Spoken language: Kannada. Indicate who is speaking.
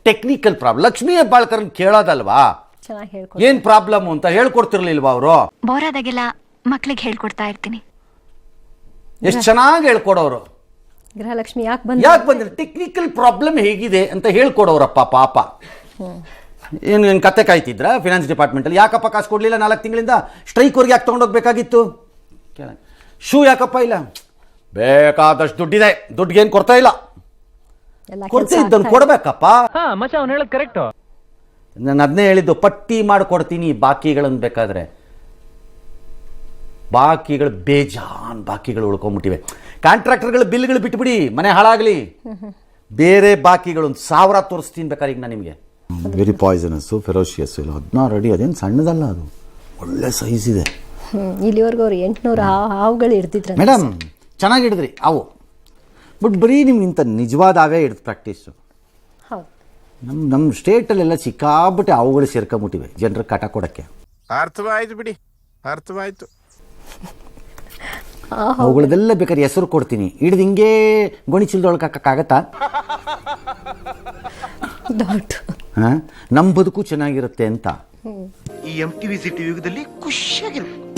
Speaker 1: Technical problem. ಲಕ್ಷ್ಮೀ ಹೆಬ್ಬಾಳ್ಕರ್ ಕೇಳೋದಲ್ವಾ
Speaker 2: ಚೆನ್ನಾಗಿ ಹೇಳ್ಕೊಡ್ತಾರೆ.
Speaker 1: ಏನ್ ಪ್ರಾಬ್ಲಮ್ ಅಂತ ಹೇಳ್ಕೊಡ್ತಿರ್ಲಿಲ್ವಾ ಅವರು?
Speaker 3: ಬೋರ್ ಆದಾಗೆಲ್ಲ ಮಕ್ಳಿಗೆ ಹೇಳ್ಕೊಡ್ತಾ ಇರ್ತೀನಿ.
Speaker 1: ಎಷ್ಟು ಚೆನ್ನಾಗಿ ಹೇಳ್ಕೊಡೋರು.
Speaker 2: ಗೃಹಲಕ್ಷ್ಮಿ ಯಾಕೆ
Speaker 1: ಬಂದ್ರೆ ಟೆಕ್ನಿಕಲ್ ಪ್ರಾಬ್ಲಮ್ ಹೇಗಿದೆ ಅಂತ ಹೇಳ್ಕೊಡೋರಪ್ಪ ಪಾಪ. ಏನು ಕತೆ ಕಾಯ್ತಿದ್ರ ಫಿನಾನ್ಸ್ ಡಿಪಾರ್ಟ್ಮೆಂಟಲ್ಲಿ? ಯಾಕಪ್ಪ ಕಾಸು ಕೊಡಲಿಲ್ಲ 4 ತಿಂಗಳಿಂದ? ಸ್ಟ್ರೈಕ್ವರೆಗೆ ಯಾಕೆ ತೊಗೊಂಡೋಗ್ಬೇಕಾಗಿತ್ತು? ಶೂ ಯಾಕಪ್ಪ ಇಲ್ಲ? ಬೇಕಾದಷ್ಟು ದುಡ್ಡಿದೆ, ದುಡ್ಡಿಗೇನು ಕೊಡ್ತಾ ಇಲ್ಲ. ಕೊಡ್ತಾ ಇದ್ದನ್ನು ಕೊಡ್ಬೇಕಪ್ಪ. ನಾನು ಅದನ್ನೇ ಹೇಳಿದ್ದು, ಪಟ್ಟಿ ಮಾಡಿಕೊಡ್ತೀನಿ ಬಾಕಿಗಳನ್ನು. ಬೇಕಾದ್ರೆ ಬಾಕಿಗಳು ಬೇಜಾನ್ ಬಾಕಿಗಳು ಉಳ್ಕೊಂಡ್ಬಿಟ್ಟಿವೆ. ಕಾಂಟ್ರಾಕ್ಟರ್ಗಳು ಬಿಲ್ಗಳು ಬಿಟ್ಬಿಡಿ, ಮನೆ ಹಾಳಾಗಲಿ. ಬೇರೆ ಬಾಕಿಗಳು 1000 ತೋರಿಸ್ತೀನಿ ಬೇಕಾದ್ರೆ ಈಗ ನಾನು ನಿಮಗೆ. Very poisonous, ferocious. ಇಲ್ಲ 16 ಅಡಿ, ಅದೇನು ಸಣ್ಣದಲ್ಲ, ಅದು ಒಳ್ಳೆ ಸೈಜ್ ಇದೆ.
Speaker 2: ಇಲ್ಲಿವರೆಗೂ ಅವ್ರು 800 ಹಾವುಗಳು ಹಿಡ್ದಿದ್ರು
Speaker 1: ಮೇಡಮ್. ಚೆನ್ನಾಗಿ ಹಿಡಿದ್ರಿ ಅವು, ಬಟ್ ಬರೀ ನಿಮ್ಗೆ ಇಂಥ ನಿಜವಾದ ಅವೇ ಹಿಡಿದು ಪ್ರಾಕ್ಟೀಸು.
Speaker 2: ಹೌದು,
Speaker 1: ನಮ್ಮ ಸ್ಟೇಟಲ್ಲೆಲ್ಲ ಸಿಕ್ಕಾಬಿಟ್ಟೆ ಅವುಗಳು ಸೇರ್ಕೊಂಬಿಟ್ಟಿವೆ ಜನರ ಕಾಟ ಕೊಡೋಕ್ಕೆ.
Speaker 4: ಅರ್ಥವಾಯ್ತು ಬಿಡಿ, ಅರ್ಥವಾಯ್ತು.
Speaker 1: ಅವುಗಳದೆಲ್ಲ ಬೇಕಾದ್ರೆ ಹೆಸರು ಕೊಡ್ತೀನಿ, ಹಿಡಿದು ಹಿಂಗೆ ಗೋಣಿಚೀಲದೊಳಗೆ ಹಾಕಕ್ಕಾಗತ್ತಾ? ನಮ್ಮ ಬದುಕು ಚೆನ್ನಾಗಿರುತ್ತೆ ಅಂತ.
Speaker 5: ಈ MTV ಸಿಟಿ ಯುಗದಲ್ಲಿ ಖುಷಿಯಾಗಿರು.